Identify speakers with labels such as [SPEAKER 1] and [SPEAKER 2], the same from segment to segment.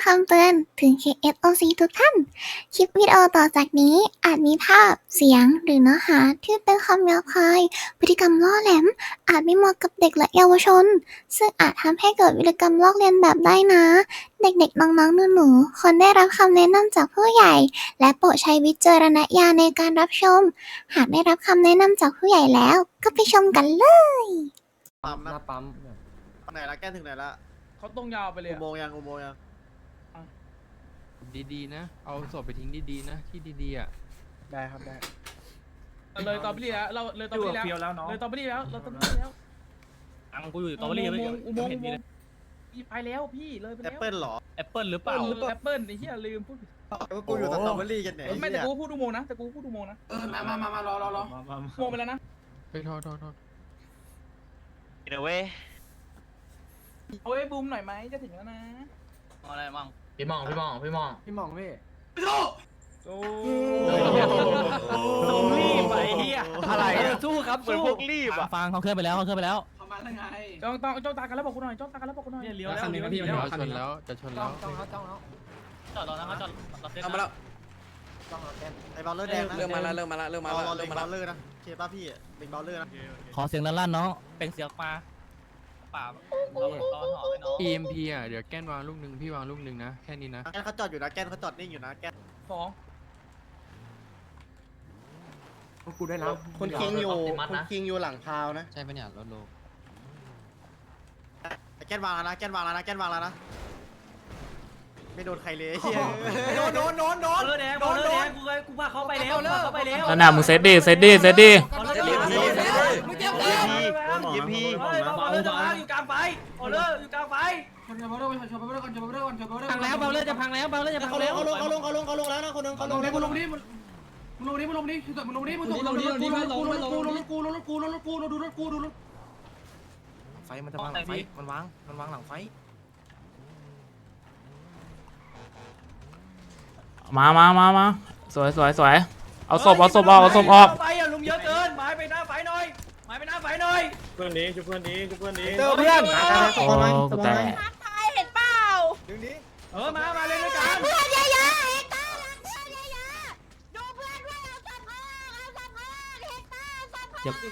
[SPEAKER 1] ำเตือนถึง KSOC ทุกท่าน คลิปวิดีโอต่อจากนี้อาจมีภาพ เสียง หรือเนื้อหาที่เป็นคำหยาบคาย พฤติกรรมล่อแหลม อาจไม่เหมาะกับเด็กและเยาวชน ซึ่งอาจทำให้เกิดวิธีกรรมลอกเลียนแบบได้นะ เด็กๆ น้องๆ หนูๆ ควรได้รับคำแนะนำจากผู้ใหญ่ และโปรดใช้วิจารณญาณในการรับชม หากได้รับคำแนะนำจากผู้ใหญ่แล้ว ก็ไปชมกันเลย
[SPEAKER 2] ปั๊ม
[SPEAKER 3] ห
[SPEAKER 2] นะ
[SPEAKER 3] น้าปั๊ม
[SPEAKER 2] ไหนละแก้ถึงไหนละ
[SPEAKER 4] เขาตรงยาวไปเลย
[SPEAKER 2] อุโมงค์ยังอุโมงค์ยัง
[SPEAKER 3] ดีๆนะ เอาศพไปทิ้งดีๆนะ ที่ดีๆอ่ะ
[SPEAKER 5] ได้ครับได้
[SPEAKER 4] เลยตอบิลี่แล้วเราเลยตอบิลี่แล้ว
[SPEAKER 5] เฟียวแล้วเนาะ
[SPEAKER 4] เลยตอบิลี่แล้วเราตอบิลี่แล้ว
[SPEAKER 6] อังกูอยู่ตอเบอรี่ไม่
[SPEAKER 4] อุโมงค์
[SPEAKER 6] เห็น
[SPEAKER 4] อุ
[SPEAKER 6] มี
[SPEAKER 4] โม
[SPEAKER 6] เล
[SPEAKER 4] ง
[SPEAKER 6] ย
[SPEAKER 4] ค์พี่ไปแล้วพี่เลยไป
[SPEAKER 2] แอป
[SPEAKER 4] แล้ว
[SPEAKER 2] เปิลเหรอ
[SPEAKER 6] แอปเปิลหรือเปล่า
[SPEAKER 4] แอปเปิลไอ้เหี้ยลืมพูด
[SPEAKER 2] ก็กูอยู่สตรอเบอรี่กันไหน
[SPEAKER 4] ไม่แต่กูพูดอุโมงค์นะแต่กูพูดอุโมงค์นะ
[SPEAKER 5] มารอ
[SPEAKER 4] อุโมงค์ไปแล้วนะ
[SPEAKER 3] เฮ้ยโทษ
[SPEAKER 6] เดี๋ยวเว้ย
[SPEAKER 4] เอาไอ้บูมหน่อยไหมจะถึงแล้วนะ
[SPEAKER 6] อะไรมั่ง
[SPEAKER 3] พี่มองพี่
[SPEAKER 5] พี่หม่องพี่
[SPEAKER 4] โอ้
[SPEAKER 6] สู้รีบไปเฮีย
[SPEAKER 2] อะไร
[SPEAKER 6] สู้ครับเหมือนพวกรีบอ่ะฟังเขาเคลื่อนไปแล้วเขาเคลื่อนไปแล้ว
[SPEAKER 5] เขามาได้ไง
[SPEAKER 4] จ้องตากันแล้วบอกกูหน่อยจ้องตากันแล้วบอกกูหน่อย
[SPEAKER 6] เนี่ยเลี้ยวแล้ว
[SPEAKER 5] คันหนึ่งนะพี่
[SPEAKER 3] เดี๋ยวชนแล้วจะชนแล้ว
[SPEAKER 5] จ้องแล้ว
[SPEAKER 6] จอดรอนะเขาจอดรอเซ็ต
[SPEAKER 2] เอามาแล้วไอ้บอลเลอร์แดงนะ
[SPEAKER 5] เริ่มมาแล้วเริ่มมาแล้ว
[SPEAKER 2] รอเล็งบอลเลอร์นะเคป้าพี่เล็งบอลเลอร์นะ
[SPEAKER 6] ขอเสียงลั่นๆน้องเป็นเสียงปลาป่าตอนหอมเลยน้อง
[SPEAKER 3] EMP อ่ะ เดี๋ยวแก้นวางลูกหนึ่งพี่วางลูกหนึ่งนะ แค่นี้นะ
[SPEAKER 2] แกนเขาจอดอยู่นะแกนเขาจอดนิ่งอยู่นะแกน
[SPEAKER 4] สอง
[SPEAKER 5] กูได้แล้ว
[SPEAKER 7] คุณคิงอยู่คุณคิงอยู่หลังพาวนะ
[SPEAKER 3] ใช่ปะเนี่ยรถโล
[SPEAKER 2] แกนวางแล้วนะแกนวางแล้วนะแกนวางแล้วนะไม่โดนใครเลยเฮีย
[SPEAKER 5] โดน
[SPEAKER 6] บอลเลอร์แดงกูพาเขาไปแล้วเขาไปแล้ว
[SPEAKER 8] นั่นน่ะมึงเซตดิเซตดิเซตดิ
[SPEAKER 6] บอลเลอร์แดงมึงเจ็บเลยยิพีบอลเลอร์จะพังอยู่กลางไฟบอลเลอร์อยู่กลางไฟ
[SPEAKER 5] พังแล้ว
[SPEAKER 6] บอลเลอร์จะพังแล้วบอลเลอร์จะพังแล้ว
[SPEAKER 7] เขาลงแล้วนะคนนึงเขาลง
[SPEAKER 5] มึงลงดิมึงลงดิมึงลงดิมึงลงดิมึงลงดิดูรถกูไฟมันจะวางหลังไฟมันวางหลังไฟ
[SPEAKER 8] มาสวยเอาศพออก
[SPEAKER 6] ไปอ่ะลุงเยอะเกินหมายไปหน้าไฟหน่อยหมายไปหน้าไฟหน่อย
[SPEAKER 7] เพื่อนดีจุเพื่อนดี
[SPEAKER 2] เจอเพื่อน
[SPEAKER 8] โอ้กูแตก
[SPEAKER 6] มาเล่นด้วยกัน
[SPEAKER 1] เพื่อนเยอะๆเฮกเตอร์รักเพื่อนเยอะๆดูเพื่อนด้วยเอาสับเพื่อนเฮกเตอร์สับเพื่อน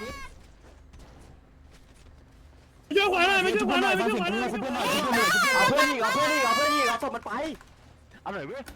[SPEAKER 7] ช่วยขวาหน่อยไม่ช่วยขวาหน่อยเอาเพื่อนอีกเอาศพมันไปเอาหน่อยเว้ย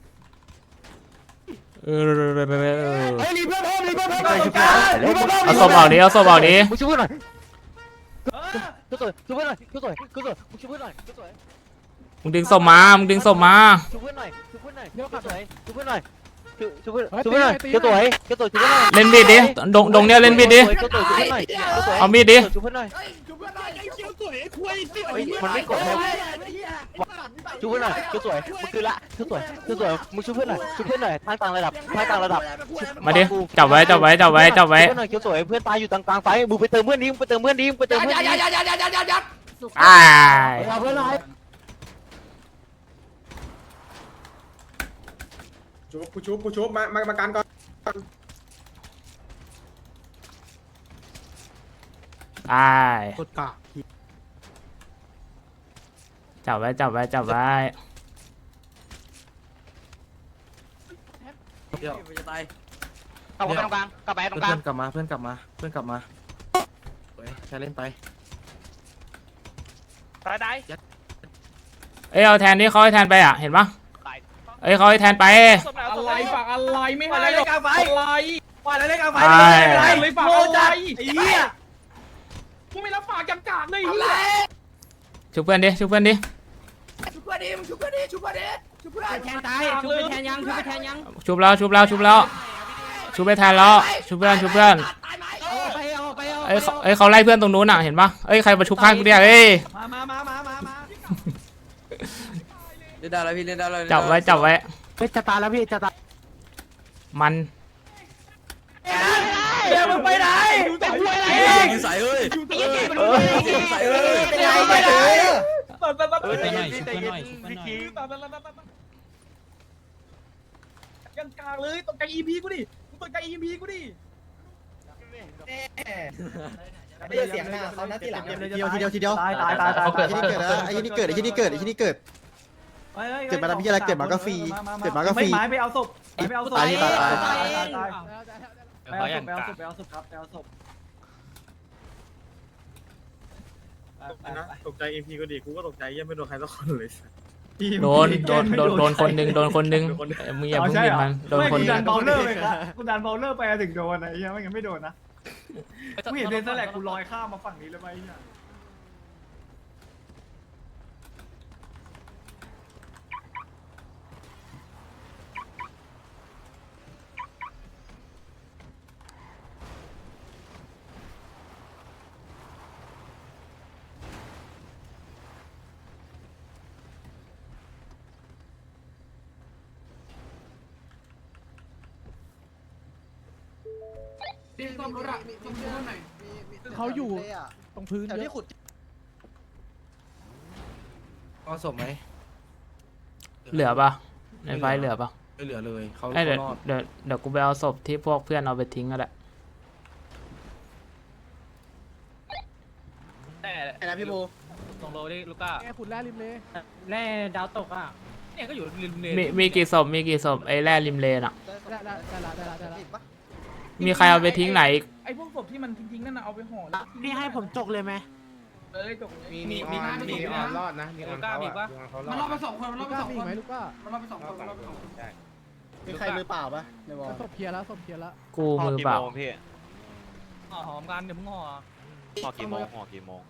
[SPEAKER 8] เออ
[SPEAKER 7] เฮ้ยรีเพื่อนเพิ่มรีเพื่อนเพิ่ม
[SPEAKER 8] เอาศพออกดิเอาศพออกดิ
[SPEAKER 7] มึงช่วยหน่อยช่วยเพื่อนหน่อยช่วยมึงช่วยเพื่อนหน่อย
[SPEAKER 8] มึงดึงศพมา
[SPEAKER 7] ช่วยเพื่อนหน่อยช่วยเพื่อนหน่อยช่วยเพื่อนหน่อยช่วยเพื่อนหน่อยช่วยเพื่อนหน่อยช่วยเพื่อนหน่อยช่วยเพื่อนหน่อย
[SPEAKER 8] เล่นบีดดิดงเนี้ยเล่นบีดดิ
[SPEAKER 7] ช่วยเพื่อนหน่อย
[SPEAKER 8] เอามีดดิ
[SPEAKER 7] ช่วยเพื่อนหน่อยมันไม่กดเลยช่วยเพื่อนหน่อยช่วยสวยมึงคือละช่วยสวยมึงช่วยเพื่อนหน่อยทางต่างระดับ
[SPEAKER 8] มาดิจับไว้
[SPEAKER 7] ช่วยเพื่อนหน่อยช่วยสวยเพื่อนตายอยู่กลางไฟมึงไปเติมเพื่อนดิ
[SPEAKER 8] อ้าย
[SPEAKER 7] เอาเพื่อนหน่อยกูชุบมาการก่อน
[SPEAKER 8] อ้าย
[SPEAKER 7] กดกะ
[SPEAKER 8] จับไว้
[SPEAKER 7] เดี๋ยว
[SPEAKER 6] จะตายเอาไปตรงกลางกลับไปตรงกลาง
[SPEAKER 5] เพื่อนกลับมาใช้เล่นไป
[SPEAKER 6] ตาย
[SPEAKER 8] เอ้ยเอาแทนดิเขาให้แทนไปอ่ะเห็นปะเอ้ยเขาให้แทนไป
[SPEAKER 4] อะไรฝากอะไรไม่ให้หรอกอะไร
[SPEAKER 6] ว่าอะไรเล่นกลางไฟ
[SPEAKER 4] เลยฝาก
[SPEAKER 6] โง่
[SPEAKER 4] อะไร
[SPEAKER 6] จัดไอ้เหี้ย
[SPEAKER 4] กูไม่รับฝากจังกากเลย
[SPEAKER 8] ชุบเพื่อนดิ
[SPEAKER 6] ชุบเพื่อนแทนตายชุบไปแทนยัง
[SPEAKER 8] ชุบแล้วชุบไปแทนแล้วชุบเพื่อน
[SPEAKER 6] ไปเอา
[SPEAKER 8] เอ้ยเขาไล่เพื่อนตรงนู้นอ่ะเห็นปะเอ้ยใครมาชุบข้างกูเนี่ยเอ้ย
[SPEAKER 6] มา
[SPEAKER 5] เล่นได้แล้วพี่เล่นได้แล้ว
[SPEAKER 8] จับไว้
[SPEAKER 7] จะตายแล้วพี่จะตาย
[SPEAKER 8] มัน
[SPEAKER 6] เดี๋ยวมึงไปไหนมึงเป็นผู้อะไรเอง
[SPEAKER 5] ใส่เอ้ย
[SPEAKER 6] ใส่ไปไหน
[SPEAKER 4] ไปหน่อย ยังกลางเลยตกใจ EP กูดิมึงตกใจ EP กูดิ
[SPEAKER 7] ไม่ได้เสียงหน้าเขาหน้าที่หลัง
[SPEAKER 2] ทีเดียวตาย
[SPEAKER 7] ไอ้ที่นี่เกิด
[SPEAKER 2] เกิดมาแล้วพี่อะไรเกิดมาก็ฟรีเกิดมาก็ฟรี
[SPEAKER 4] ไม้ไปเอาศพไปเอาศพ
[SPEAKER 2] ตายตายตาย
[SPEAKER 4] ตาย
[SPEAKER 6] เขาอย่าง
[SPEAKER 4] ไปเอา
[SPEAKER 6] กะ
[SPEAKER 4] ศพไปเอาศพครับไปเอาศพ
[SPEAKER 2] นะตกใจเอ็มพีก็ดีกูก็ตกใจยังไม่โดนใครสักคนเลย
[SPEAKER 8] โดนคนหนึ่งมึงอย่าเพิ่งบิดมันโดนคนห
[SPEAKER 4] ดั
[SPEAKER 8] นึ่ง
[SPEAKER 4] นเบลเลอร์ไปครับกูดันเบลเลอร์ไปถึงโดนไอ้เหี้ยไม่งั้นไม่โดนนะกูเห็นเดนสแลกกูลอยข้ามมาฝั่งนี้เลยไหมเนี่ย
[SPEAKER 7] เขาอยู่ตรงพื้น
[SPEAKER 2] แถวที่ขุด
[SPEAKER 5] เอาศพไหม
[SPEAKER 8] เหลือปะในไฟเหลือปะ
[SPEAKER 5] ไม่เหลือเลยเขา
[SPEAKER 8] เดี๋ยว
[SPEAKER 5] รอด
[SPEAKER 8] เดี๋ยวกูไปเอาศพที่พวกเพื่อนเอาไปทิ้งก็ได้
[SPEAKER 6] แต่
[SPEAKER 2] ไอ้นะพี่โบ
[SPEAKER 6] ตรงโลดิลูก้า
[SPEAKER 7] แกขุดแร่ริมเลย
[SPEAKER 4] แร่ดาวตกอ่ะ
[SPEAKER 6] เนี่ยก็อยู่ริมเล
[SPEAKER 8] มีกี่ศพไอ้แร่ริมเลนอ่ะ
[SPEAKER 7] ได้ละ
[SPEAKER 8] มีใครเอาไปทิ้งไหนอีก
[SPEAKER 4] ไอ้พวกศพที่มันทิ้งๆนั่นน่ะเอาไปห่อ
[SPEAKER 7] พี่ให้ผมจกเลยไหม
[SPEAKER 4] เลยตกเลย
[SPEAKER 6] มีออนรอดนะลูก้ามีปะ
[SPEAKER 4] มันรอดไป2คนมันรอดไป2
[SPEAKER 7] มี
[SPEAKER 4] คน
[SPEAKER 7] ไหมลูกก็
[SPEAKER 4] มันรอดไป2คนมันรอดไป2คน
[SPEAKER 2] มีใครมือเปล่าปะในวอล
[SPEAKER 7] ศพเคลียร์แล้ว
[SPEAKER 8] กูมือเปล่า
[SPEAKER 6] ห่อหอมกันเดี๋ยวมึงห่อ
[SPEAKER 9] ห่อกี่โมงห่อกี่โมง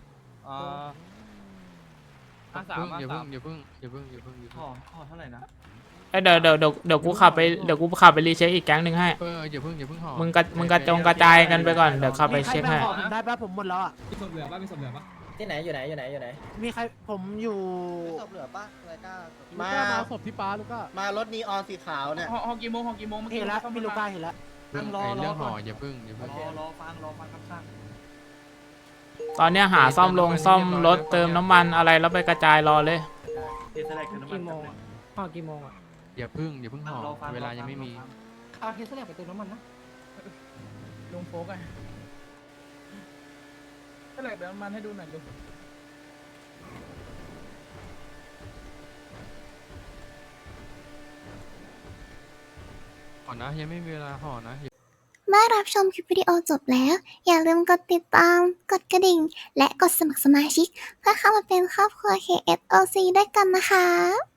[SPEAKER 6] 53
[SPEAKER 3] อย่า
[SPEAKER 6] 53
[SPEAKER 3] เพิ่ง
[SPEAKER 4] ห่อเท่าไหร่นะ
[SPEAKER 8] เอ้ยเดี๋ยวกูขับไปรีเช็คอีกแก๊งหนึ่งให้
[SPEAKER 3] อย่าเพิ่งห่อ
[SPEAKER 8] มึงกระจายกันไปก่อนเดี๋ยวขับไปเช็คให้
[SPEAKER 7] ได้ป่ะผมหมดแล้วอ่ะ
[SPEAKER 4] มีศพเหลือป่ะมีศพเหลือป่ะ
[SPEAKER 10] ที่ไหนอยู่ไหนอยู่ไหนอยู่ไหน
[SPEAKER 7] มีใครผมอยู่
[SPEAKER 2] ศพเหลือปะอะไรก้า
[SPEAKER 7] ลูกก็มาศพที่ป้าลูกก็
[SPEAKER 2] มารถนีออนสีขาวเนี่ย
[SPEAKER 4] ห่อกี่โมง
[SPEAKER 7] เห็นแล้วพี่ลูกก็เห็นแล้ว
[SPEAKER 3] เรื่องห่ออย่าเพิ่ง
[SPEAKER 4] รอฟังครับช่าง
[SPEAKER 8] ตอนเนี้ยหาซ่อมรถเติมน้ำมันอะไรแล้วไปกระจายรอเลย
[SPEAKER 4] เทสแลกคือน้ำมัน
[SPEAKER 7] ห่อกี่โมงอ่ะ
[SPEAKER 3] อย่าเพิ่งห่อเวลายังไม่มี
[SPEAKER 7] เอาเทสแลกไปเติมน้ำมันนะ
[SPEAKER 4] ลุงโฟกไงเทสแลกเดี๋ยวมันให้ดูหน่อยดู
[SPEAKER 3] ห่อนะยังไม่มีเวลาห่อนะ
[SPEAKER 1] เมื่อรับชมคลิปวิดีโอจบแล้ว อย่าลืมกดติดตาม กดกระดิ่ง และกดสมัครสมาชิก เพื่อเข้ามาเป็นครอบครัว KSOC ด้วยกันนะคะ